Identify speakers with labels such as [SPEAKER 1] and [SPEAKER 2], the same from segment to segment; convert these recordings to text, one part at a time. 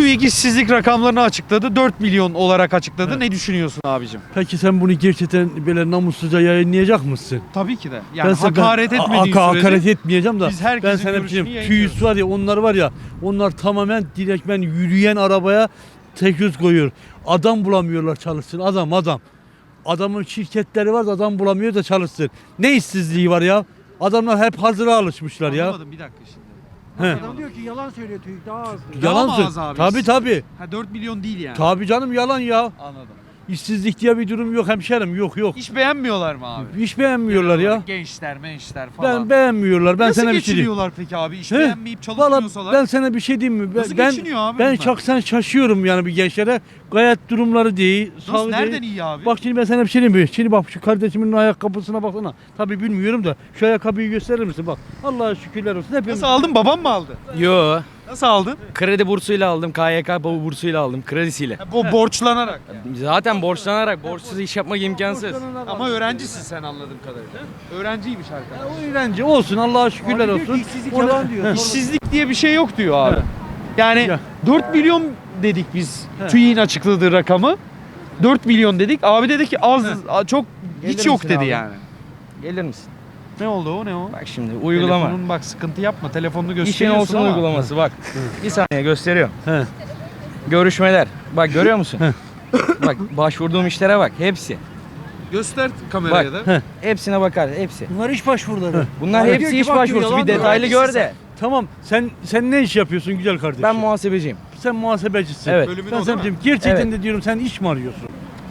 [SPEAKER 1] TÜİK işsizlik rakamlarını açıkladı. 4 milyon olarak açıkladı.
[SPEAKER 2] Evet.
[SPEAKER 1] Ne düşünüyorsun abicim?
[SPEAKER 2] Peki sen bunu gerçekten böyle namussuzca yayınlayacak mısın?
[SPEAKER 1] Tabii ki de. Yani hakaret etmediğin sürece
[SPEAKER 2] hakaret etmeyeceğim da
[SPEAKER 1] biz herkesin
[SPEAKER 2] ben sana bir
[SPEAKER 1] görüşünü
[SPEAKER 2] şey diyeyim.
[SPEAKER 1] yayınlıyoruz.
[SPEAKER 2] TÜİK var ya, onlar var ya, onlar tamamen direktmen yürüyen arabaya tek yüz koyuyor. Adam bulamıyorlar çalışsın, adam. Adamın şirketleri var da adam bulamıyor da çalışsın. Ne işsizliği var ya? Adamlar hep hazıra alışmışlar ya.
[SPEAKER 1] Anlamadım, bir dakika şimdi.
[SPEAKER 2] He.
[SPEAKER 3] Adam diyor ki yalan söylüyor TÜİK daha az diyor.
[SPEAKER 1] Daha mı
[SPEAKER 2] Yalan
[SPEAKER 1] az abi?
[SPEAKER 2] Tabii.
[SPEAKER 1] Ha 4 milyon değil yani.
[SPEAKER 2] Tabii canım, yalan ya.
[SPEAKER 1] Anladım.
[SPEAKER 2] İşsizlik diye bir durum yok hemşerim, yok.
[SPEAKER 1] Hiç beğenmiyorlar mı abi?
[SPEAKER 2] Hiç beğenmiyorlar ya.
[SPEAKER 1] Gençler falan.
[SPEAKER 2] Ben beğenmiyorlar. Ben
[SPEAKER 1] Nasıl
[SPEAKER 2] sana bir şey diyeyim.
[SPEAKER 1] geçiniyorlar peki abi? İş
[SPEAKER 2] He?
[SPEAKER 1] beğenmeyip
[SPEAKER 2] Valla
[SPEAKER 1] çalışmıyorsalar.
[SPEAKER 2] ben sana bir şey diyeyim mi?
[SPEAKER 1] Nasıl geçiniyor abi
[SPEAKER 2] ben
[SPEAKER 1] bunlar?
[SPEAKER 2] şahsen şaşıyorum yani bir gençlere. Gayet durumları değil.
[SPEAKER 1] Nasıl,
[SPEAKER 2] sağ
[SPEAKER 1] nereden
[SPEAKER 2] değil.
[SPEAKER 1] iyi abi?
[SPEAKER 2] Bak şimdi ben sana bir şey diyeyim mi? Şimdi bak şu kardeşimin ayakkabısına baksana. Tabii bilmiyorum da şu ayakkabıyı gösterir misin? Bak Allah'a şükürler olsun. Hepimiz...
[SPEAKER 1] Nasıl aldın? Babam mı aldı?
[SPEAKER 4] Yo.
[SPEAKER 1] Nasıl aldın?
[SPEAKER 4] Kredi bursuyla aldım. KYK bursuyla aldım. Kredisiyle.
[SPEAKER 1] Bu borçlanarak.
[SPEAKER 4] Zaten borçlanarak. Borçsuz iş yapmak imkansız.
[SPEAKER 1] Ama öğrencisin sen anladığım kadarıyla. Öğrenciymiş arkadaş.
[SPEAKER 2] O öğrenci olsun, Allah'a şükürler
[SPEAKER 3] Abi diyor ki
[SPEAKER 2] olsun.
[SPEAKER 3] işsizlik
[SPEAKER 2] Ona-
[SPEAKER 3] yalan diyor.
[SPEAKER 2] Heh.
[SPEAKER 1] İşsizlik diye bir şey yok diyor abi.
[SPEAKER 2] Evet.
[SPEAKER 1] Yani
[SPEAKER 2] Ya.
[SPEAKER 1] 4 milyon dedik biz.
[SPEAKER 2] He.
[SPEAKER 1] TÜİK'in açıkladığı rakamı. 4 milyon dedik. Abi dedi ki az, çok hiç
[SPEAKER 4] Gelir
[SPEAKER 1] yok
[SPEAKER 4] misin
[SPEAKER 1] dedi
[SPEAKER 4] abi?
[SPEAKER 1] yani.
[SPEAKER 4] Gelir misin?
[SPEAKER 1] Ne oldu o, ne o?
[SPEAKER 4] Bak şimdi uygulama.
[SPEAKER 1] Telefonun bak, sıkıntı yapma. Telefonunu
[SPEAKER 4] İşin
[SPEAKER 1] gösteriyorsun
[SPEAKER 4] olsun
[SPEAKER 1] ama.
[SPEAKER 4] uygulaması bak. Bir saniye gösteriyorum.
[SPEAKER 2] He.
[SPEAKER 4] Görüşmeler. Bak görüyor musun? Bak başvurduğum işlere bak. Hepsi.
[SPEAKER 1] Göster kameraya
[SPEAKER 4] Bak.
[SPEAKER 1] da.
[SPEAKER 4] Hepsine bakar. Hepsi.
[SPEAKER 3] Bunlar iş başvuruları.
[SPEAKER 4] Bunlar
[SPEAKER 3] Abi diyor
[SPEAKER 4] hepsi
[SPEAKER 3] ki
[SPEAKER 4] iş
[SPEAKER 3] bak diyor,
[SPEAKER 4] başvurusu.
[SPEAKER 3] yalan
[SPEAKER 4] Bir
[SPEAKER 3] diyor.
[SPEAKER 4] detaylı gör de.
[SPEAKER 2] Tamam, sen ne iş yapıyorsun güzel kardeşim?
[SPEAKER 4] Ben muhasebeciyim.
[SPEAKER 2] Sen muhasebecisin.
[SPEAKER 4] Evet.
[SPEAKER 1] Bölümün
[SPEAKER 2] Ben
[SPEAKER 1] o
[SPEAKER 2] sana
[SPEAKER 1] değil mi?
[SPEAKER 2] diyeyim, gerçekten
[SPEAKER 4] Evet.
[SPEAKER 2] de diyorum, sen iş mi arıyorsun?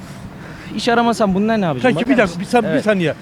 [SPEAKER 4] İş aramasam bunlar ne yapacağım?
[SPEAKER 2] Peki
[SPEAKER 4] Bakar
[SPEAKER 2] bir dakika,
[SPEAKER 4] mısın?
[SPEAKER 2] bir
[SPEAKER 4] Evet.
[SPEAKER 2] saniye.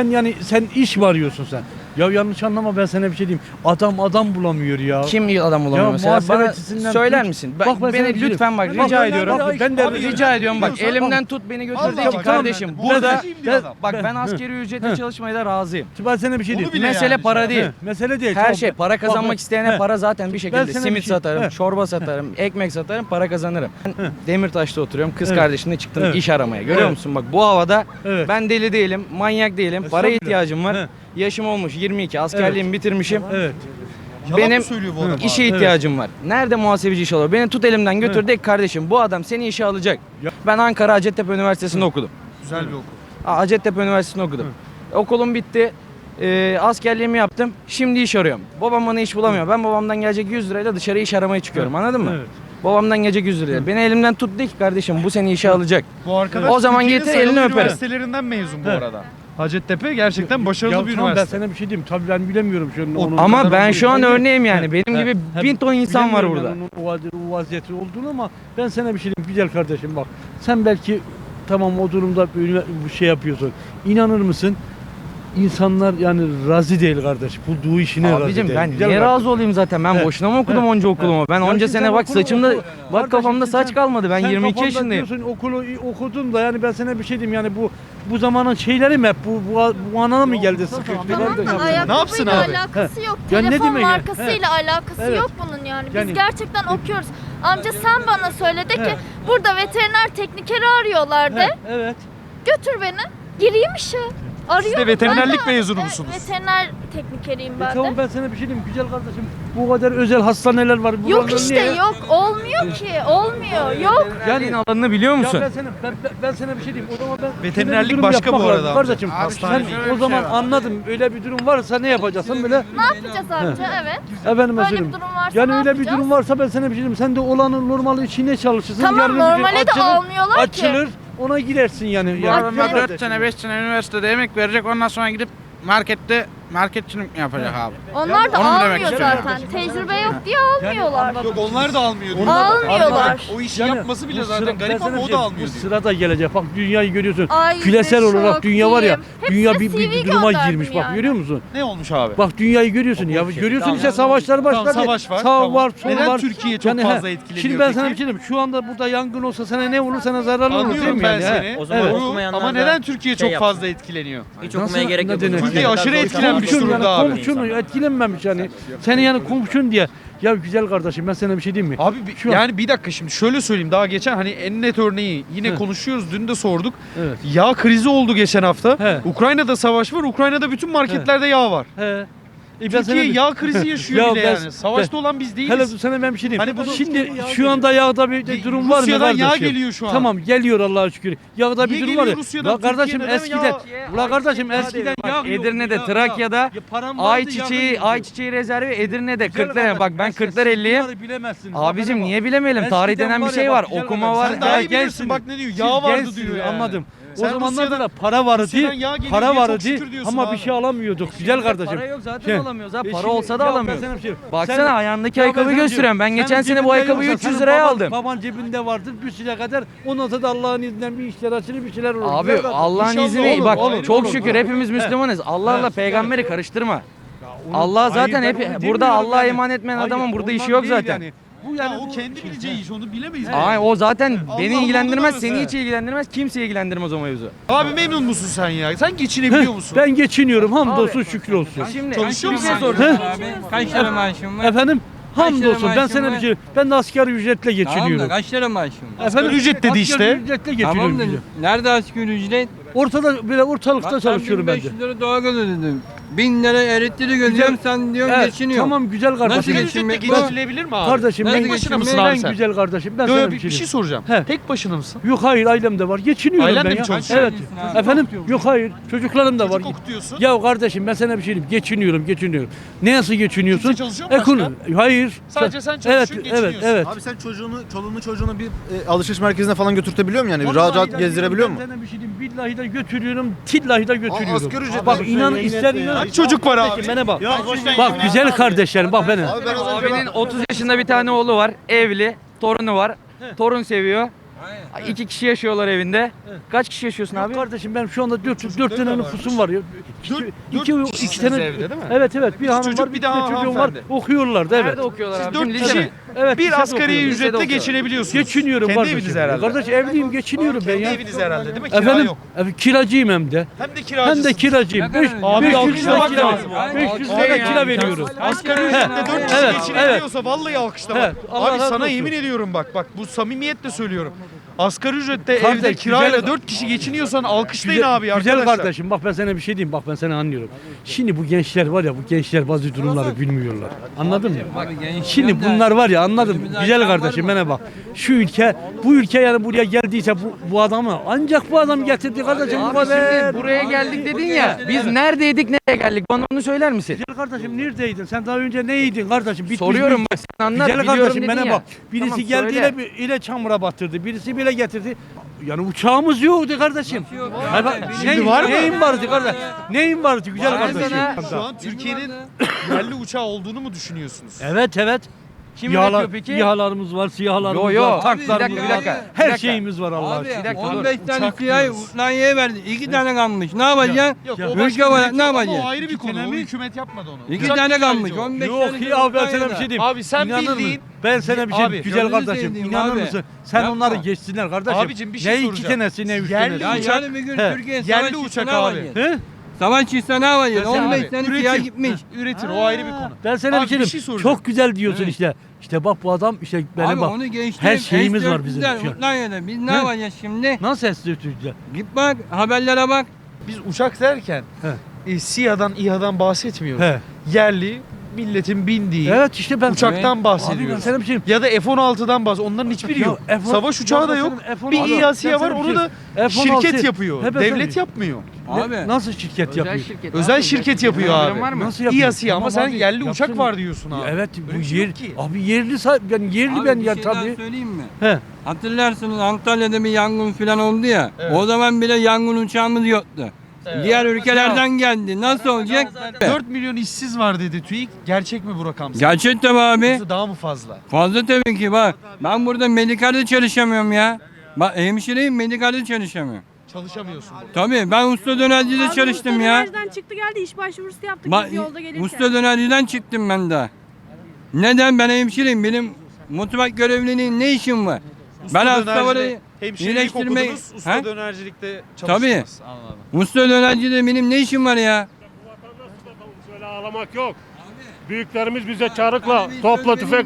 [SPEAKER 2] Sen iş mi arıyorsun sen? Ya yanlış anlama, ben sana bir şey diyeyim. Adam bulamıyor ya.
[SPEAKER 4] Kim adam bulamıyor
[SPEAKER 2] Ya
[SPEAKER 4] mesela? Bana
[SPEAKER 2] muhasebecisinden
[SPEAKER 4] söyler
[SPEAKER 2] tut.
[SPEAKER 4] misin?
[SPEAKER 2] Bak ben sana bir
[SPEAKER 4] Beni
[SPEAKER 2] şey
[SPEAKER 4] lütfen bak
[SPEAKER 2] diyeyim.
[SPEAKER 4] rica
[SPEAKER 2] Bak,
[SPEAKER 4] ediyorum.
[SPEAKER 2] ben de
[SPEAKER 4] Rica ediyorum bak
[SPEAKER 2] biliyorsan-
[SPEAKER 4] elimden tut beni götür
[SPEAKER 1] Allah
[SPEAKER 4] de ki
[SPEAKER 1] bak,
[SPEAKER 4] kardeşim
[SPEAKER 1] ben-
[SPEAKER 4] burada
[SPEAKER 1] Muhasebeciyim diyor adam.
[SPEAKER 4] bak ben asgari ücretle çalışmaya da razıyım.
[SPEAKER 2] Ben sana bir şey
[SPEAKER 1] Onu
[SPEAKER 2] diyeyim.
[SPEAKER 1] bile
[SPEAKER 4] Mesele
[SPEAKER 1] yani
[SPEAKER 4] para
[SPEAKER 1] şey.
[SPEAKER 4] değil.
[SPEAKER 2] Mesele değil.
[SPEAKER 4] Her
[SPEAKER 2] Tamam,
[SPEAKER 4] şey para kazanmak
[SPEAKER 2] bak,
[SPEAKER 4] isteyene
[SPEAKER 2] he.
[SPEAKER 4] para zaten bir şekilde
[SPEAKER 2] sana bir
[SPEAKER 4] simit
[SPEAKER 2] şey-
[SPEAKER 4] satarım,
[SPEAKER 2] he.
[SPEAKER 4] çorba satarım, ekmek satarım, para kazanırım. Ben Demirtaş'ta oturuyorum. Kız
[SPEAKER 2] Evet.
[SPEAKER 4] kardeşimle çıktım
[SPEAKER 2] Evet.
[SPEAKER 4] iş aramaya. Görüyor
[SPEAKER 2] Evet.
[SPEAKER 4] musun? Bak bu havada
[SPEAKER 2] Evet.
[SPEAKER 4] ben deli değilim, manyak değilim. Para
[SPEAKER 2] Estağfurullah.
[SPEAKER 4] ihtiyacım var.
[SPEAKER 2] He.
[SPEAKER 4] Yaşım olmuş 22. Askerliğimi bitirmişim.
[SPEAKER 2] Evet.
[SPEAKER 1] Yalan
[SPEAKER 4] Benim
[SPEAKER 1] mı söylüyor bu adam abi?
[SPEAKER 4] İşe ihtiyacım var. Nerede muhasebeci iş alıyor? Beni tut elimden götür de ki kardeşim bu adam seni işe alacak.
[SPEAKER 2] Ya-
[SPEAKER 4] Ben Ankara Hacettepe Üniversitesi'nde okudum.
[SPEAKER 1] Güzel bir okul.
[SPEAKER 4] Hacettepe Üniversitesi'nde okudum. Okulum bitti. Askerliğimi yaptım. Şimdi iş arıyorum. Babam bana iş bulamıyor. Ben babamdan gelecek 100 lirayla dışarı iş aramaya çıkıyorum. Anladın mı?
[SPEAKER 2] Evet.
[SPEAKER 4] Babamdan gelecek 100 lirayla. Beni elimden tut de ki kardeşim bu seni işe alacak.
[SPEAKER 1] Bu arkadaş
[SPEAKER 4] O zaman
[SPEAKER 1] Türkiye'nin
[SPEAKER 4] getir, elini
[SPEAKER 1] sayılı
[SPEAKER 4] öperim.
[SPEAKER 1] üniversitelerinden mezun bu
[SPEAKER 2] He.
[SPEAKER 1] arada. Hacettepe gerçekten başarılı
[SPEAKER 2] Ya
[SPEAKER 1] bir
[SPEAKER 2] tamam, ben
[SPEAKER 1] üniversite.
[SPEAKER 2] sana bir şey diyeyim. Tabii ben bilemiyorum şu an onun
[SPEAKER 4] Ama
[SPEAKER 2] kadar
[SPEAKER 4] ben
[SPEAKER 2] olduğunu.
[SPEAKER 4] şu an
[SPEAKER 2] Ben de-
[SPEAKER 4] örneğim yani. Benim
[SPEAKER 2] He,
[SPEAKER 4] gibi
[SPEAKER 2] he,
[SPEAKER 4] bin ton insan var
[SPEAKER 2] bilemiyorum
[SPEAKER 4] burada.
[SPEAKER 2] ben onun o vaziyeti olduğunu, ama ben sana bir şey diyeyim güzel kardeşim, bak. Sen belki tamam o durumda böyle bu şey yapıyorsun. İnanır mısın? İnsanlar yani razı değil kardeş. Bulduğu işine razı
[SPEAKER 4] Abicim
[SPEAKER 2] değil.
[SPEAKER 4] ben
[SPEAKER 2] Güzel
[SPEAKER 4] niye
[SPEAKER 2] kardeşim.
[SPEAKER 4] razı olayım zaten? Ben
[SPEAKER 2] He.
[SPEAKER 4] boşuna mı okudum
[SPEAKER 2] He.
[SPEAKER 4] onca okulumu? Ben
[SPEAKER 2] Ya
[SPEAKER 4] onca
[SPEAKER 2] şimdi
[SPEAKER 4] sene
[SPEAKER 2] sen
[SPEAKER 4] bak
[SPEAKER 2] okulu
[SPEAKER 4] saçımda
[SPEAKER 2] oku.
[SPEAKER 4] bak
[SPEAKER 2] Kardeşim
[SPEAKER 4] kafamda
[SPEAKER 2] sen-
[SPEAKER 4] saç kalmadı. Ben
[SPEAKER 2] sen
[SPEAKER 4] 22
[SPEAKER 2] kafanda
[SPEAKER 4] yaşındayım.
[SPEAKER 2] diyorsun okulu okudun da, yani ben sana bir şey diyeyim, yani bu zamanın şeyleri mi hep bu anana mı geldi sıkıştı
[SPEAKER 5] Tamam
[SPEAKER 2] kardeşim?
[SPEAKER 5] da ayakkabıyla
[SPEAKER 1] Ne yapsın abi?
[SPEAKER 5] alakası yok.
[SPEAKER 2] Ya ne
[SPEAKER 5] Telefon
[SPEAKER 2] demek ya?
[SPEAKER 5] markasıyla alakası
[SPEAKER 2] Evet.
[SPEAKER 5] yok bunun yani. Biz
[SPEAKER 2] Yani-
[SPEAKER 5] gerçekten okuyoruz. Amca sen bana söyle de ki
[SPEAKER 2] He.
[SPEAKER 5] burada veteriner teknikeri arıyorlar de.
[SPEAKER 2] He, evet.
[SPEAKER 5] Götür beni. Gireyim işe. Arıyorum.
[SPEAKER 1] de veterinerlik
[SPEAKER 5] Ben de-
[SPEAKER 1] mezunu
[SPEAKER 5] Evet,
[SPEAKER 1] musunuz?
[SPEAKER 5] Veteriner teknikeriyim ben
[SPEAKER 2] Tamam,
[SPEAKER 5] de.
[SPEAKER 2] ben sana bir şey diyeyim güzel kardeşim. Bu kadar özel hastaneler var.
[SPEAKER 5] Yok
[SPEAKER 2] Buralarda
[SPEAKER 5] işte
[SPEAKER 2] niye?
[SPEAKER 5] yok. Olmuyor ki. Olmuyor. Yok.
[SPEAKER 4] Yani alanını biliyor
[SPEAKER 2] Ya
[SPEAKER 4] musun?
[SPEAKER 2] ben sana bir şey diyeyim. O zaman ben
[SPEAKER 1] Veterinerlik
[SPEAKER 2] şöyle bir durum
[SPEAKER 1] başka bu
[SPEAKER 2] yapmak
[SPEAKER 1] arada
[SPEAKER 2] lazım
[SPEAKER 1] amca.
[SPEAKER 2] kardeşim.
[SPEAKER 1] Hastane
[SPEAKER 2] Sen
[SPEAKER 1] değil.
[SPEAKER 2] o zaman anladım. Öyle bir durum varsa ne yapacaksın böyle?
[SPEAKER 5] Ne yapacağız amca? Evet.
[SPEAKER 2] Efendim
[SPEAKER 5] Böyle
[SPEAKER 2] söyleyeyim.
[SPEAKER 5] bir durum varsa
[SPEAKER 2] Yani
[SPEAKER 5] ne
[SPEAKER 2] öyle bir
[SPEAKER 5] yapacağız?
[SPEAKER 2] durum varsa ben sana bir şey diyeyim. Sen de olanın normal içine çalışırsın.
[SPEAKER 5] Tamam,
[SPEAKER 2] Yarın bir gün
[SPEAKER 5] normale de almıyorlar ki.
[SPEAKER 2] Açılır. Ona girersin yani.
[SPEAKER 6] Bu
[SPEAKER 2] Yani
[SPEAKER 6] adam
[SPEAKER 2] kardeşim.
[SPEAKER 6] 4 sene 5 sene üniversitede emek verecek, ondan sonra gidip markette marketçilik mi yapacak abi?
[SPEAKER 5] Onlar da
[SPEAKER 6] Onu mu demek
[SPEAKER 5] almıyor
[SPEAKER 6] istiyorum?
[SPEAKER 5] zaten. Tecrübe yok diye almıyorlar.
[SPEAKER 1] Yok onlar da almıyor. diyor.
[SPEAKER 5] Almıyorlar.
[SPEAKER 1] O işi
[SPEAKER 2] Yani
[SPEAKER 1] yapması bile
[SPEAKER 2] bu
[SPEAKER 1] zaten
[SPEAKER 2] sıra- ben
[SPEAKER 1] garip
[SPEAKER 2] sana
[SPEAKER 1] ama
[SPEAKER 2] bir
[SPEAKER 1] o
[SPEAKER 2] şey-
[SPEAKER 1] da almıyor
[SPEAKER 2] Bu
[SPEAKER 1] diyor.
[SPEAKER 2] sırada gelecek. Bak dünyayı görüyorsun.
[SPEAKER 5] Ay,
[SPEAKER 2] Küresel
[SPEAKER 5] bir
[SPEAKER 2] olarak
[SPEAKER 5] şok
[SPEAKER 2] dünya var ya.
[SPEAKER 5] diyeyim.
[SPEAKER 2] Dünya
[SPEAKER 5] Hepsine
[SPEAKER 2] bir
[SPEAKER 5] CV
[SPEAKER 2] duruma
[SPEAKER 5] gönderdim
[SPEAKER 2] girmiş. Bak
[SPEAKER 5] yani.
[SPEAKER 2] görüyor musun?
[SPEAKER 1] Ne olmuş abi?
[SPEAKER 2] Bak dünyayı görüyorsun ya. Görüyorsun işte savaşlar başladı.
[SPEAKER 1] Tamam, savaş var,
[SPEAKER 2] Sağ
[SPEAKER 1] tamam.
[SPEAKER 2] var, sol
[SPEAKER 1] Neden
[SPEAKER 2] var.
[SPEAKER 1] Türkiye çok fazla etkileniyor
[SPEAKER 2] Şimdi ben sana
[SPEAKER 1] peki?
[SPEAKER 2] bir şey diyeyim. Şu anda burada yangın olsa sana ne olur? Sana zararlı olur değil
[SPEAKER 1] Anlıyorum
[SPEAKER 2] mi
[SPEAKER 1] ben
[SPEAKER 2] yani?
[SPEAKER 1] seni.
[SPEAKER 2] He?
[SPEAKER 7] O zaman
[SPEAKER 2] Evet.
[SPEAKER 7] okumayanlar
[SPEAKER 1] Ama
[SPEAKER 7] da
[SPEAKER 1] neden Türkiye
[SPEAKER 7] şey
[SPEAKER 1] çok
[SPEAKER 7] yapsın.
[SPEAKER 1] fazla etkileniyor?
[SPEAKER 7] Hiç
[SPEAKER 2] Nasıl-
[SPEAKER 7] okumaya gerek yok.
[SPEAKER 2] neden
[SPEAKER 7] Bunun.
[SPEAKER 1] Türkiye aşırı etkilenmiş
[SPEAKER 2] Komşun
[SPEAKER 1] durumda
[SPEAKER 2] yani,
[SPEAKER 1] abi.
[SPEAKER 2] komşun etkilenmemiş yani. Seni yani komşun diye. Ya güzel kardeşim, ben sana bir şey diyeyim mi?
[SPEAKER 1] Abi
[SPEAKER 2] Şu an-
[SPEAKER 1] yani bir dakika şimdi şöyle söyleyeyim, daha geçen hani en net örneği yine
[SPEAKER 2] Hı.
[SPEAKER 1] konuşuyoruz, dün de sorduk.
[SPEAKER 2] Evet.
[SPEAKER 1] Yağ krizi oldu geçen hafta.
[SPEAKER 2] He.
[SPEAKER 1] Ukrayna'da savaş var. Ukrayna'da bütün marketlerde yağ var.
[SPEAKER 2] He. Ben
[SPEAKER 1] Türkiye
[SPEAKER 2] sana-
[SPEAKER 1] yağ krizi yaşıyor
[SPEAKER 2] Ya
[SPEAKER 1] bile
[SPEAKER 2] ben-
[SPEAKER 1] yani. Savaşta olan biz değiliz.
[SPEAKER 2] Hele sana ben bir şey diyeyim.
[SPEAKER 1] Hani bunu-
[SPEAKER 2] Şimdi şu anda yağda bir durum var mı
[SPEAKER 1] Rusya'dan yağ
[SPEAKER 2] kardeşim?
[SPEAKER 1] geliyor şu an.
[SPEAKER 2] Tamam geliyor Allah'a şükür. Yağda
[SPEAKER 1] Niye
[SPEAKER 2] bir durum var ya.
[SPEAKER 1] geliyor Rusya'dan?
[SPEAKER 2] La kardeşim
[SPEAKER 1] Türkiye'de
[SPEAKER 2] eskiden
[SPEAKER 1] neden
[SPEAKER 2] Ula kardeşim eskiden
[SPEAKER 4] Bak,
[SPEAKER 2] yağ yoktu,
[SPEAKER 4] Edirne'de,
[SPEAKER 2] yağ,
[SPEAKER 4] Trakya'da
[SPEAKER 2] yağ. Ya param vardı,
[SPEAKER 4] ayçiçeği,
[SPEAKER 2] yağ
[SPEAKER 4] ayçiçeği rezervi Edirne'de
[SPEAKER 2] Güzel
[SPEAKER 4] 40 lira. Bak ben
[SPEAKER 2] kardeşim,
[SPEAKER 4] 40'lar
[SPEAKER 2] siz
[SPEAKER 4] 50'ye.
[SPEAKER 2] bunları bilemezsiniz.
[SPEAKER 4] Abicim
[SPEAKER 2] Bak,
[SPEAKER 4] niye bilemeyelim?
[SPEAKER 2] eskiden
[SPEAKER 4] Tarih denen bir
[SPEAKER 2] var ya
[SPEAKER 4] şey
[SPEAKER 2] bak,
[SPEAKER 4] var.
[SPEAKER 2] güzel
[SPEAKER 4] Okuma
[SPEAKER 2] kardeşim,
[SPEAKER 4] var.
[SPEAKER 1] Sen daha iyi
[SPEAKER 2] gençsiniz.
[SPEAKER 1] bilirsin bak ne diyor.
[SPEAKER 2] Siz
[SPEAKER 1] Yağ vardı
[SPEAKER 2] gençsiniz,
[SPEAKER 1] diyor yani.
[SPEAKER 2] Anladım.
[SPEAKER 1] Sen
[SPEAKER 2] O zamanlarda
[SPEAKER 1] Rusya'dan-
[SPEAKER 2] da para vardı
[SPEAKER 1] Rusya'dan yağ geliyor
[SPEAKER 2] para
[SPEAKER 1] diye çok
[SPEAKER 2] vardı
[SPEAKER 1] şükür diyorsun
[SPEAKER 2] ama
[SPEAKER 1] abi.
[SPEAKER 2] bir şey alamıyorduk. Güzel kardeşim.
[SPEAKER 4] Para yok zaten
[SPEAKER 2] Şey,
[SPEAKER 4] alamıyoruz ha. Para
[SPEAKER 2] şimdi-
[SPEAKER 4] olsa da
[SPEAKER 2] ya ben
[SPEAKER 4] alamıyoruz.
[SPEAKER 2] sana bir şey-
[SPEAKER 4] Baksana
[SPEAKER 2] Sen-
[SPEAKER 4] ayağındaki
[SPEAKER 2] Ya ben
[SPEAKER 4] ayakkabıyı
[SPEAKER 2] sana
[SPEAKER 4] gösteriyorum. Ben
[SPEAKER 2] senin
[SPEAKER 4] geçen sene bu
[SPEAKER 2] cebinde
[SPEAKER 4] ayakkabıyı
[SPEAKER 2] yoksa
[SPEAKER 4] 300
[SPEAKER 2] senin
[SPEAKER 4] liraya
[SPEAKER 2] baban-
[SPEAKER 4] aldım.
[SPEAKER 2] Baban cebinde vardır bir süre kadar. Ondan sonra da Allah'ın izniyle bir işler açılır bir şeyler olur.
[SPEAKER 4] Abi
[SPEAKER 2] Güzel kardeşim.
[SPEAKER 4] Allah'ın
[SPEAKER 2] İnşallah
[SPEAKER 4] izniyle
[SPEAKER 2] olur,
[SPEAKER 4] bak
[SPEAKER 2] olur,
[SPEAKER 4] çok
[SPEAKER 2] olur.
[SPEAKER 4] şükür hepimiz Müslümanız. Allah'la peygamberi karıştırma. Allah
[SPEAKER 2] Hayır,
[SPEAKER 4] zaten
[SPEAKER 2] ben
[SPEAKER 4] hep
[SPEAKER 2] onu
[SPEAKER 4] burada
[SPEAKER 2] demiyorum
[SPEAKER 4] Allah'a
[SPEAKER 2] yani.
[SPEAKER 4] emanet etmeyen
[SPEAKER 2] Hayır,
[SPEAKER 4] adamın burada
[SPEAKER 2] ondan
[SPEAKER 4] işi yok
[SPEAKER 2] değil
[SPEAKER 4] zaten.
[SPEAKER 2] yani. Bu
[SPEAKER 1] Ya
[SPEAKER 2] yani
[SPEAKER 1] o
[SPEAKER 2] bu-
[SPEAKER 1] kendi bileceği iş onu bilemeyiz.
[SPEAKER 4] Ay o zaten beni
[SPEAKER 1] Allah
[SPEAKER 4] ilgilendirmez,
[SPEAKER 1] Allah
[SPEAKER 4] seni
[SPEAKER 1] Allah.
[SPEAKER 4] hiç ilgilendirmez, kimseyi ilgilendirmez o mevzu.
[SPEAKER 1] Abi memnun musun sen ya? Sen geçinebiliyor musun?
[SPEAKER 2] Ben geçiniyorum hamdolsun şükür olsun.
[SPEAKER 4] Şimdi
[SPEAKER 1] Çalışıyor
[SPEAKER 4] bir şey
[SPEAKER 1] musun?
[SPEAKER 4] soracağım.
[SPEAKER 7] Kaç lira maaşın var?
[SPEAKER 2] Efendim hamdolsun ben
[SPEAKER 7] maaşın
[SPEAKER 2] sana
[SPEAKER 7] var?
[SPEAKER 2] bir şey ben de asgari ücretle
[SPEAKER 7] Tamam da
[SPEAKER 2] geçiniyorum.
[SPEAKER 7] kaç lira maaşın var?
[SPEAKER 2] Efendim
[SPEAKER 1] ücret dedi
[SPEAKER 2] asgari
[SPEAKER 1] işte.
[SPEAKER 2] ücretle geçiniyorum.
[SPEAKER 7] Tamam da
[SPEAKER 2] güzel.
[SPEAKER 7] nerede asgari ücret?
[SPEAKER 2] Ortada böyle ortalıkta
[SPEAKER 7] Bak,
[SPEAKER 2] çalışıyorum ben de.
[SPEAKER 7] 1500 lira doğalgaz ödedim. 1000 lira elektrik ödüyorum sen diyorsun
[SPEAKER 2] Evet,
[SPEAKER 7] geçiniyor.
[SPEAKER 2] tamam güzel kardeşim.
[SPEAKER 7] Nasıl
[SPEAKER 1] Asgari
[SPEAKER 7] geçinmek
[SPEAKER 1] ücretle
[SPEAKER 7] bu?
[SPEAKER 1] geçinilebilir mi abi?
[SPEAKER 2] Kardeşim
[SPEAKER 7] Nasıl
[SPEAKER 2] ben
[SPEAKER 1] Tek başına mısın
[SPEAKER 2] geçinmeyi
[SPEAKER 1] abi
[SPEAKER 2] en
[SPEAKER 1] sen?
[SPEAKER 2] güzel kardeşim. Ben
[SPEAKER 1] Yo,
[SPEAKER 2] sana
[SPEAKER 1] bir şey
[SPEAKER 2] diyeyim.
[SPEAKER 1] soracağım.
[SPEAKER 2] He.
[SPEAKER 1] Tek başına mısın?
[SPEAKER 2] Yok hayır ailem de var. Geçiniyorum
[SPEAKER 1] Ailen de
[SPEAKER 2] ben
[SPEAKER 1] mi
[SPEAKER 2] ya.
[SPEAKER 1] çalışıyor?
[SPEAKER 2] Evet.
[SPEAKER 7] Abi.
[SPEAKER 2] Efendim yok hayır. Çocuklarım da var.
[SPEAKER 1] Çocuk okutuyorsun.
[SPEAKER 2] Ya kardeşim ben sana bir şey diyeyim. Geçiniyorum. Ne nasıl geçiniyorsun?
[SPEAKER 1] Kimse çalışıyor mu başka?
[SPEAKER 2] Hayır.
[SPEAKER 1] Sadece sen
[SPEAKER 2] Evet,
[SPEAKER 1] çalışıyorsun,
[SPEAKER 2] evet,
[SPEAKER 1] geçiniyorsun.
[SPEAKER 2] evet.
[SPEAKER 8] Abi sen çoluğunu çocuğunu bir alışveriş merkezine falan götürtebiliyor musun yani?
[SPEAKER 2] Vallahi
[SPEAKER 8] Rahat rahat
[SPEAKER 2] de
[SPEAKER 8] gezdirebiliyor
[SPEAKER 2] ben
[SPEAKER 8] mu?
[SPEAKER 2] sana bir şey diyeyim. Billahi de götürüyorum. Tillahi de götürüyorum.
[SPEAKER 8] asgari ücret
[SPEAKER 2] Bak
[SPEAKER 8] var.
[SPEAKER 2] inan ister inan.
[SPEAKER 1] Kaç çocuk var abi?
[SPEAKER 2] Kardeşim, bana bak. Bak güzel kardeşlerim bak bana.
[SPEAKER 8] Abi ben az önce
[SPEAKER 4] Abinin 30 yaşında bir tane oğlu var, evli, torunu var. Torun seviyor. 2 kişi yaşıyorlar evinde. Kaç kişi yaşıyorsun abi?
[SPEAKER 2] Kardeşim ben şu anda 4 tane nüfusum var ya.
[SPEAKER 1] Dört
[SPEAKER 2] İki
[SPEAKER 1] kişisiniz evde değil mi?
[SPEAKER 2] Evet evet bir
[SPEAKER 1] İki
[SPEAKER 2] hanım
[SPEAKER 1] çocuk,
[SPEAKER 2] var
[SPEAKER 1] bir
[SPEAKER 2] bir
[SPEAKER 1] de
[SPEAKER 2] de çocuğum var.
[SPEAKER 1] hanımefendi.
[SPEAKER 2] Okuyorlar da evet.
[SPEAKER 4] Nerede okuyorlar abi?
[SPEAKER 1] 4
[SPEAKER 4] Şimdi lise
[SPEAKER 1] kişi
[SPEAKER 4] mi?
[SPEAKER 2] Evet,
[SPEAKER 1] bir
[SPEAKER 2] lisede
[SPEAKER 1] asgari
[SPEAKER 2] okuyorum.
[SPEAKER 1] ücretle
[SPEAKER 4] okuyorlar.
[SPEAKER 1] geçinebiliyorsunuz.
[SPEAKER 2] Geçiniyorum
[SPEAKER 1] Kendi
[SPEAKER 2] kardeşim.
[SPEAKER 1] eviniz herhalde.
[SPEAKER 2] Kardeş evliyim geçiniyorum ben
[SPEAKER 1] Kendi
[SPEAKER 2] ya.
[SPEAKER 1] eviniz herhalde değil mi? Kira
[SPEAKER 2] Efendim
[SPEAKER 1] yok.
[SPEAKER 2] kiracıyım hem de.
[SPEAKER 1] Hem de
[SPEAKER 2] Hem
[SPEAKER 1] kiracısın.
[SPEAKER 2] de kiracıyım.
[SPEAKER 7] Ne kadar?
[SPEAKER 1] Abi
[SPEAKER 2] 500
[SPEAKER 1] alkışlamak
[SPEAKER 2] lira kira
[SPEAKER 1] lazım
[SPEAKER 2] veriyorum.
[SPEAKER 1] abi.
[SPEAKER 2] 500 lira kira veriyorum.
[SPEAKER 1] Asgari ücretle 4 kişi
[SPEAKER 2] Evet,
[SPEAKER 1] geçinebiliyorsa vallahi alkışlamak.
[SPEAKER 2] Evet, Allah
[SPEAKER 1] Abi
[SPEAKER 2] razı
[SPEAKER 1] sana
[SPEAKER 2] olsun.
[SPEAKER 1] yemin ediyorum bak bu samimiyetle söylüyorum. Asgari ücrette
[SPEAKER 2] Kardeş,
[SPEAKER 1] evde kirayla
[SPEAKER 2] güzel-
[SPEAKER 1] 4 kişi geçiniyorsan alkışlayın abi
[SPEAKER 2] Güzel
[SPEAKER 1] arkadaşlar.
[SPEAKER 2] kardeşim bak ben sana bir şey diyeyim bak ben seni anlıyorum. Şimdi bu gençler var ya bu gençler bazı durumları bilmiyorlar. Anladın mı?
[SPEAKER 7] Abi gençliğim
[SPEAKER 2] Şimdi
[SPEAKER 7] de-
[SPEAKER 2] bunlar var ya anladım.
[SPEAKER 7] Önümüzde
[SPEAKER 2] Güzel
[SPEAKER 7] aşağı var
[SPEAKER 2] kardeşim
[SPEAKER 7] mı?
[SPEAKER 2] bana bak. Şu ülke bu ülke yani buraya geldiyse bu adamı ancak bu adam getirdi kardeşim bu
[SPEAKER 4] Abi
[SPEAKER 2] kadar.
[SPEAKER 4] şimdi buraya geldik dedin ya. Biz neredeydik, nereye geldik? Bana onu söyler misin?
[SPEAKER 2] Güzel kardeşim neredeydin? Sen daha önce neydin kardeşim? Bitmiş
[SPEAKER 4] Soruyorum
[SPEAKER 2] bir-
[SPEAKER 4] bak sen anlat.
[SPEAKER 2] Güzel
[SPEAKER 4] Biliyorum
[SPEAKER 2] kardeşim
[SPEAKER 4] dedin
[SPEAKER 2] bana
[SPEAKER 4] ya.
[SPEAKER 2] bak. Birisi
[SPEAKER 4] Tamam,
[SPEAKER 2] geldi
[SPEAKER 4] söyle.
[SPEAKER 2] ile çamura batırdı. Birisi bile getirdi. Yani uçağımız yoktu kardeşim. Hayır, bak,
[SPEAKER 1] Şimdi var mı?
[SPEAKER 2] Neyin vardı kardeşim? Neyin vardı güzel
[SPEAKER 4] Ben
[SPEAKER 2] kardeşim?
[SPEAKER 4] sana-
[SPEAKER 1] Şu an Türkiye'nin yerli uçağı olduğunu mu düşünüyorsunuz?
[SPEAKER 2] Evet.
[SPEAKER 4] Kim üretiyor peki?
[SPEAKER 2] İHA'larımız var, SİHA'larımız
[SPEAKER 4] Yo, yo.
[SPEAKER 2] var,
[SPEAKER 4] Abi,
[SPEAKER 2] tanklarımız
[SPEAKER 4] bir
[SPEAKER 2] var.
[SPEAKER 4] dakika, bir
[SPEAKER 2] Her
[SPEAKER 4] dakika.
[SPEAKER 2] şeyimiz var Allah'a
[SPEAKER 7] Abi
[SPEAKER 2] şükür.
[SPEAKER 4] dakika, dur.
[SPEAKER 7] 15 tane
[SPEAKER 1] Uçak
[SPEAKER 7] siyah
[SPEAKER 1] diyoruz.
[SPEAKER 7] Ukrayna'ya verdi. 2 tane kalmış. Ne yapacaksın?
[SPEAKER 1] Yok
[SPEAKER 2] Ya,
[SPEAKER 1] o
[SPEAKER 7] ülke
[SPEAKER 1] başka
[SPEAKER 7] olarak
[SPEAKER 1] bir
[SPEAKER 7] ne
[SPEAKER 1] ama
[SPEAKER 7] yapacaksın?
[SPEAKER 1] o ayrı bir konu. O
[SPEAKER 2] mi?
[SPEAKER 1] hükümet yapmadı onu.
[SPEAKER 7] 2
[SPEAKER 1] Uçak
[SPEAKER 7] tane
[SPEAKER 1] değil
[SPEAKER 7] kalmış.
[SPEAKER 1] ayrıca o.
[SPEAKER 7] 15
[SPEAKER 2] Yok
[SPEAKER 7] tane
[SPEAKER 2] ya ben sana bir
[SPEAKER 7] Ukrayna'da.
[SPEAKER 2] şey diyeyim.
[SPEAKER 1] Abi sen
[SPEAKER 2] İnanır mısın?
[SPEAKER 1] bildiğin-
[SPEAKER 2] Ben sana bir şey
[SPEAKER 1] Abi,
[SPEAKER 2] güzel
[SPEAKER 7] gözünü
[SPEAKER 2] kardeşim.
[SPEAKER 7] seveyim
[SPEAKER 2] İnanır
[SPEAKER 7] abi.
[SPEAKER 2] mısın? Sen
[SPEAKER 7] Yapma.
[SPEAKER 2] onları geçsinler kardeşim.
[SPEAKER 1] Abicim, bir şey
[SPEAKER 2] ne 2
[SPEAKER 1] soracağım.
[SPEAKER 2] tanesi ne 3
[SPEAKER 1] Yerli
[SPEAKER 2] tanesi.
[SPEAKER 7] Ya
[SPEAKER 1] uçak-
[SPEAKER 7] yarın bir gün
[SPEAKER 2] He.
[SPEAKER 7] Türkiye
[SPEAKER 1] Yerli
[SPEAKER 7] savaş
[SPEAKER 1] uçak
[SPEAKER 7] çıksa ne
[SPEAKER 1] abi.
[SPEAKER 7] yapacaksın?
[SPEAKER 2] He?
[SPEAKER 7] Savaş çıksa ne yapacaksın?
[SPEAKER 1] Mesela
[SPEAKER 7] 15
[SPEAKER 1] abi,
[SPEAKER 7] tane
[SPEAKER 1] üretir.
[SPEAKER 7] siyah gitmiş.
[SPEAKER 1] Üretir o ayrı bir konu.
[SPEAKER 2] Ben sana
[SPEAKER 1] Abi,
[SPEAKER 2] bir şey
[SPEAKER 1] bir
[SPEAKER 2] diyeyim.
[SPEAKER 1] şey soracağım.
[SPEAKER 2] Çok güzel diyorsun
[SPEAKER 7] Evet.
[SPEAKER 2] işte. İşte bak bu adam işte bana
[SPEAKER 7] Abi
[SPEAKER 2] bak.
[SPEAKER 7] onu geçti.
[SPEAKER 2] Her şeyimiz var bizim.
[SPEAKER 7] S-400'ler
[SPEAKER 2] şu an.
[SPEAKER 7] Ukrayna'da. Biz ne
[SPEAKER 2] He.
[SPEAKER 7] yapacağız şimdi?
[SPEAKER 2] Nasıl S-400'ler?
[SPEAKER 7] Git bak haberlere bak.
[SPEAKER 1] Biz uçak derken SİHA'dan, İHA'dan bahsetmiyoruz.
[SPEAKER 2] He.
[SPEAKER 1] Yerli milletin bindiği
[SPEAKER 2] Evet işte ben
[SPEAKER 1] uçaktan
[SPEAKER 2] Abi ben
[SPEAKER 1] bahsediyoruz.
[SPEAKER 2] sana bir şey
[SPEAKER 1] Ya da F-16'dan bahsediyoruz. Onların hiçbiri
[SPEAKER 2] Ya
[SPEAKER 1] yok.
[SPEAKER 2] F-16
[SPEAKER 1] Savaş uçağı da yok.
[SPEAKER 2] F-16
[SPEAKER 1] Bir
[SPEAKER 2] Abi,
[SPEAKER 1] İHA, SİHA
[SPEAKER 2] ben
[SPEAKER 1] var.
[SPEAKER 2] sana bir
[SPEAKER 1] Onu
[SPEAKER 2] şey-
[SPEAKER 1] da
[SPEAKER 2] F-16
[SPEAKER 1] şirket yapıyor.
[SPEAKER 2] He, ben sana
[SPEAKER 1] Devlet
[SPEAKER 2] bir-
[SPEAKER 1] yapmıyor.
[SPEAKER 7] Abi.
[SPEAKER 2] Nasıl şirket
[SPEAKER 4] Özel
[SPEAKER 2] yapıyor?
[SPEAKER 4] şirket.
[SPEAKER 1] Özel
[SPEAKER 4] abi,
[SPEAKER 1] şirket yapıyor
[SPEAKER 4] Haberin
[SPEAKER 1] abi.
[SPEAKER 4] var mı?
[SPEAKER 2] Nasıl yapıyor?
[SPEAKER 1] İHA, SİHA ama
[SPEAKER 2] Tamam
[SPEAKER 1] sen
[SPEAKER 2] abi,
[SPEAKER 1] yerli
[SPEAKER 2] yapsın.
[SPEAKER 1] uçak var diyorsun abi.
[SPEAKER 2] Evet
[SPEAKER 1] Öyle
[SPEAKER 2] bu
[SPEAKER 1] bir şey
[SPEAKER 2] yer
[SPEAKER 1] yok ki.
[SPEAKER 2] abi yerli yani yerli
[SPEAKER 7] Abi
[SPEAKER 2] ben
[SPEAKER 7] bir
[SPEAKER 2] ya
[SPEAKER 7] şey daha
[SPEAKER 2] tabii.
[SPEAKER 7] söyleyeyim mi?
[SPEAKER 2] He.
[SPEAKER 7] Hatırlarsınız Antalya'da bir yangın falan oldu ya.
[SPEAKER 1] Evet.
[SPEAKER 7] O zaman bile yangın uçağımız yoktu. Diğer ülkelerden geldi. Nasıl olacak?
[SPEAKER 1] 4 milyon işsiz var dedi TÜİK. Gerçek mi bu rakam?
[SPEAKER 7] Gerçek tabii abi.
[SPEAKER 1] Yoksa daha mı fazla?
[SPEAKER 7] Fazla tabii ki bak. Ben burada medikalde çalışamıyorum ya. Bak hemşireyim medikalde çalışamıyorum.
[SPEAKER 1] Çalışamıyorsun.
[SPEAKER 7] Tabii ben usta dönercide çalıştım ya.
[SPEAKER 9] Üniversiteden çıktı geldi iş başvurusu yaptık
[SPEAKER 7] Bak
[SPEAKER 9] biz yolda gelirken.
[SPEAKER 7] usta dönerciden çıktım ben de. Neden? Ben hemşireyim. Benim mutfak görevliliğinin ne işim var? Ben hastaları
[SPEAKER 1] hemşirelik
[SPEAKER 7] iyileştirme-
[SPEAKER 1] okudunuz, usta
[SPEAKER 7] He?
[SPEAKER 1] dönercilikte
[SPEAKER 7] Tabii.
[SPEAKER 1] çalıştınız. Anladım.
[SPEAKER 7] usta dönercide benim ne işim var ya?
[SPEAKER 10] Öyle ağlamak yok. Büyüklerimiz bize çarıkla, topla, tüfekle.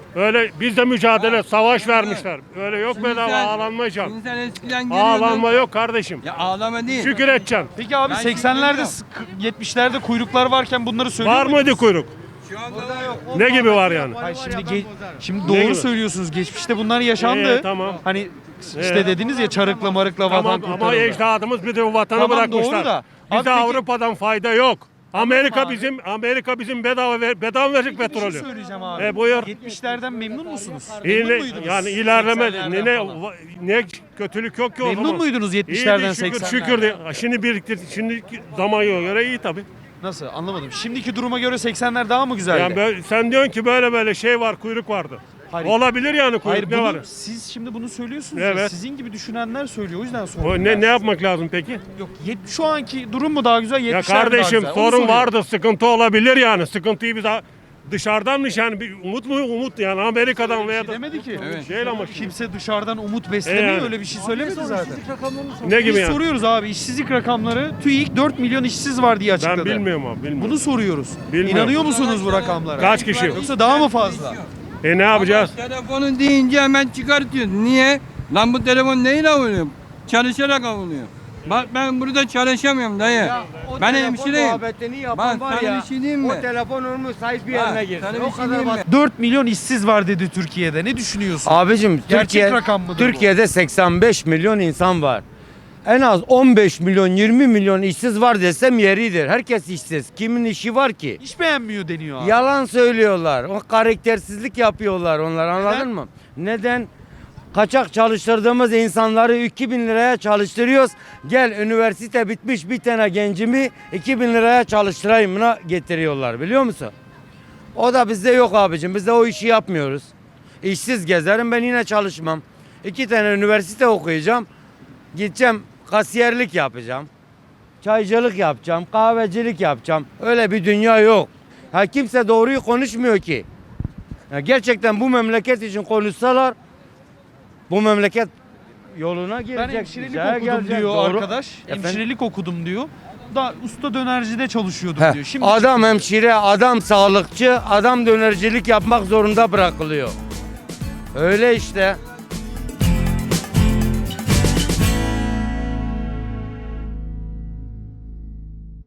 [SPEAKER 10] Öyle biz de mücadele, savaş vermişler. Öyle yok
[SPEAKER 7] Şimdi
[SPEAKER 10] bedava
[SPEAKER 7] sen-
[SPEAKER 10] ağlanmayacağım.
[SPEAKER 7] Şimdi sen eskiden geliyordun.
[SPEAKER 10] Ağlanma yok kardeşim.
[SPEAKER 7] Ya ağlama değil.
[SPEAKER 10] Şükür edeceksin.
[SPEAKER 1] Peki abi
[SPEAKER 7] Ben
[SPEAKER 1] 80'lerde 70'lerde kuyruklar varken bunları söylüyor
[SPEAKER 10] Var
[SPEAKER 1] muydunuz?
[SPEAKER 10] mıydı kuyruk?
[SPEAKER 7] Şu anda yok.
[SPEAKER 10] Ne gibi var yani?
[SPEAKER 1] Hayır, şimdi
[SPEAKER 10] Ne
[SPEAKER 1] doğru
[SPEAKER 10] gibi?
[SPEAKER 1] söylüyorsunuz. Geçmişte bunlar yaşandı.
[SPEAKER 10] Tamam.
[SPEAKER 1] Hani işte dediniz ya çarıkla marıkla vatan
[SPEAKER 10] Tamam
[SPEAKER 1] kurtarıldı.
[SPEAKER 10] ama ecdadımız bir de vatanı
[SPEAKER 1] Tamam,
[SPEAKER 10] bırakmışlar.
[SPEAKER 1] doğru da. Abi
[SPEAKER 10] Bize
[SPEAKER 1] peki-
[SPEAKER 10] Avrupa'dan fayda yok. Amerika
[SPEAKER 1] abi.
[SPEAKER 10] bizim bedava verecek
[SPEAKER 1] Bir şey
[SPEAKER 10] petrolü.
[SPEAKER 1] söyleyeceğim abi.
[SPEAKER 10] Buyur.
[SPEAKER 1] 70'lerden memnun musunuz?
[SPEAKER 10] İyi
[SPEAKER 1] Memnun
[SPEAKER 10] ne,
[SPEAKER 1] muydunuz?
[SPEAKER 10] yani ilerleme
[SPEAKER 1] 80'lerden falan.
[SPEAKER 10] ne kötülük yok ki o zaman.
[SPEAKER 1] Memnun muydunuz 70'lerden
[SPEAKER 10] İyiydi, şükür,
[SPEAKER 1] 80'lerden?
[SPEAKER 10] şükür de. Şimdi biriktirdik. Şimdi zamana göre iyi tabii.
[SPEAKER 1] Nasıl? Anlamadım. Şimdiki duruma göre 80'ler daha mı güzeldi?
[SPEAKER 10] Yani sen diyorsun ki böyle şey var, kuyruk vardı.
[SPEAKER 1] Hayır.
[SPEAKER 10] Olabilir yani kuyruk,
[SPEAKER 1] Hayır,
[SPEAKER 10] ne
[SPEAKER 1] bunu,
[SPEAKER 10] var?
[SPEAKER 1] siz şimdi bunu söylüyorsunuz ya,
[SPEAKER 10] Evet.
[SPEAKER 1] sizin gibi düşünenler söylüyor, o yüzden
[SPEAKER 10] O
[SPEAKER 1] soruyorum.
[SPEAKER 10] ne yapmak lazım peki?
[SPEAKER 1] Yok, şu anki durum mu daha güzel, 70'ler
[SPEAKER 10] Ya
[SPEAKER 1] mi daha
[SPEAKER 10] kardeşim
[SPEAKER 1] güzel? Onu
[SPEAKER 10] sorun
[SPEAKER 1] soruyorum.
[SPEAKER 10] vardı, sıkıntı olabilir yani. Sıkıntıyı biz dışarıdanmış yani bir umut yani Amerika'dan veya da
[SPEAKER 1] Demedi ki.
[SPEAKER 7] Evet.
[SPEAKER 10] şeyle ama
[SPEAKER 1] Kimse dışarıdan umut beslemiyor,
[SPEAKER 10] Yani.
[SPEAKER 1] öyle bir şey söylemedi zaten.
[SPEAKER 10] ne gibi
[SPEAKER 1] Biz
[SPEAKER 10] yani?
[SPEAKER 1] soruyoruz abi, işsizlik rakamları TÜİK 4 milyon işsiz var diye açıkladı.
[SPEAKER 10] Ben bilmiyorum abi, bilmiyorum.
[SPEAKER 1] Bunu soruyoruz.
[SPEAKER 10] Bilmiyorum.
[SPEAKER 1] İnanıyor musunuz bu rakamlara?
[SPEAKER 10] Kaç kişi?
[SPEAKER 1] Yoksa daha mı fazla?
[SPEAKER 10] Ne yapacağız?
[SPEAKER 7] Telefonu deyince hemen çıkartıyorsun. Niye? Lan bu telefon neyle avunuyor? Çalışarak avunuyor. Bak ben burada çalışamıyorum dayı. Ben hemşireyim. Bak sana bir şey diyeyim mi?
[SPEAKER 3] telefon olmuş sahip bir
[SPEAKER 7] Bak, sana bir şey diyeyim mi?
[SPEAKER 1] 4 milyon işsiz var dedi Türkiye'de. Ne düşünüyorsun?
[SPEAKER 11] Abicim
[SPEAKER 1] Gerçek rakam mıdır bu?
[SPEAKER 11] Türkiye'de 85 milyon insan var. En az 15 milyon 20 milyon işsiz var desem yeridir. Herkes işsiz. Kimin işi var ki?
[SPEAKER 1] İş beğenmiyor deniyor abi.
[SPEAKER 11] Yalan söylüyorlar. O karaktersizlik yapıyorlar onlar, anladın
[SPEAKER 1] Neden?
[SPEAKER 11] mı? Neden? Kaçak çalıştırdığımız insanları 2000 liraya çalıştırıyoruz. Gel üniversite bitmiş bir tane gencimi 2000 liraya çalıştırayımına getiriyorlar, biliyor musun? O da bizde yok abicim. Biz de o işi yapmıyoruz. İşsiz gezerim, ben yine çalışmam. 2 tane üniversite okuyacağım. Gideceğim kasiyerlik yapacağım. Çaycılık yapacağım, kahvecilik yapacağım. Öyle bir dünya yok. Ha, kimse doğruyu konuşmuyor ki. Ya gerçekten bu memleket için konuşsalar bu memleket yoluna girecek.
[SPEAKER 1] Ben hemşirelik
[SPEAKER 11] güzel
[SPEAKER 1] okudum
[SPEAKER 11] gelecek,
[SPEAKER 1] diyor
[SPEAKER 11] doğru.
[SPEAKER 1] arkadaş.
[SPEAKER 11] Efendim?
[SPEAKER 1] Hemşirelik okudum diyor. Da usta dönercide çalışıyordum
[SPEAKER 11] Heh,
[SPEAKER 1] diyor. Şimdi
[SPEAKER 11] adam hemşire, adam sağlıkçı, adam dönercilik yapmak zorunda bırakılıyor. Öyle işte.